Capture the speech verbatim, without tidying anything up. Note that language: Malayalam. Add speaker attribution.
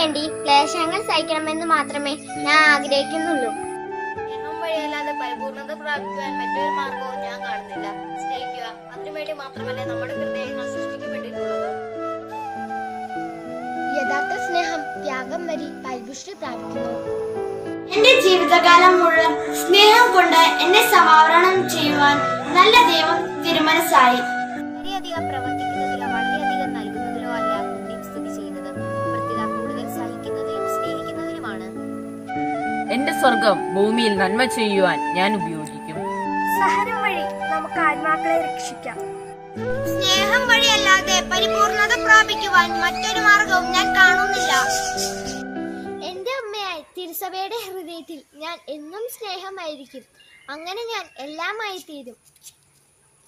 Speaker 1: വേണ്ടി ക്ലേശങ്ങൾ സഹിക്കണമെന്ന് മാത്രമേ ഞാൻ ആഗ്രഹിക്കുന്നുള്ളൂ.
Speaker 2: സ്നേഹം വഴിയല്ലാതെ പരിപൂർണത പ്രാപിക്കുവാൻ മറ്റൊരു മാർഗവും ഞാൻ കാണുന്നില്ല. സ്നേഹിക്കുക, അതിനുവേണ്ടി മാത്രമല്ലേ നമ്മുടെ ഹൃദയങ്ങൾ സൃഷ്ടിക്കപ്പെട്ടിട്ടുള്ളത്.
Speaker 1: യഥാർത്ഥ സ്നേഹം ത്യാഗം വഴി പരിപുഷ്ടി പ്രാപിക്കുന്നു.
Speaker 3: എന്റെ ജീവിതകാലം മുഴുവൻ സ്നേഹം കൊണ്ട് എന്നെ സമാവരണം ചെയ്യുവാൻ നല്ല ദൈവം തിരുമനസ്സായി.
Speaker 2: വളരെയധികം പ്രവർത്തിക്കുന്നതിലോ വളരെയധികം നൽകുന്നതിലോ അല്ല പുണ്യം സ്ഥിതി ചെയ്യുന്നത്, പ്രത്യേക കൂടുതൽ സഹിക്കുന്നതിലും സ്നേഹിക്കുന്നതിലുമാണ്.
Speaker 4: എന്റെ സ്വർഗം ഭൂമിയിൽ നന്മ ചെയ്യുവാൻ ഞാൻ ഉപയോഗിക്കും.
Speaker 1: സഹനം വഴി നമുക്ക് ആത്മാക്കളെ രക്ഷിക്കാം.
Speaker 3: സ്നേഹം വഴിയല്ലാതെ പരിപൂർണത പ്രാപിക്കുവാൻ മറ്റൊരു മാർഗവും ഞാൻ കാണുന്നില്ല.
Speaker 1: എന്റെ അമ്മയായി തിരുസഭയുടെ ഹൃദയത്തിൽ ഞാൻ എന്നും സ്നേഹമായിരിക്കും. അങ്ങനെ ഞാൻ എല്ലാമായി തീരും.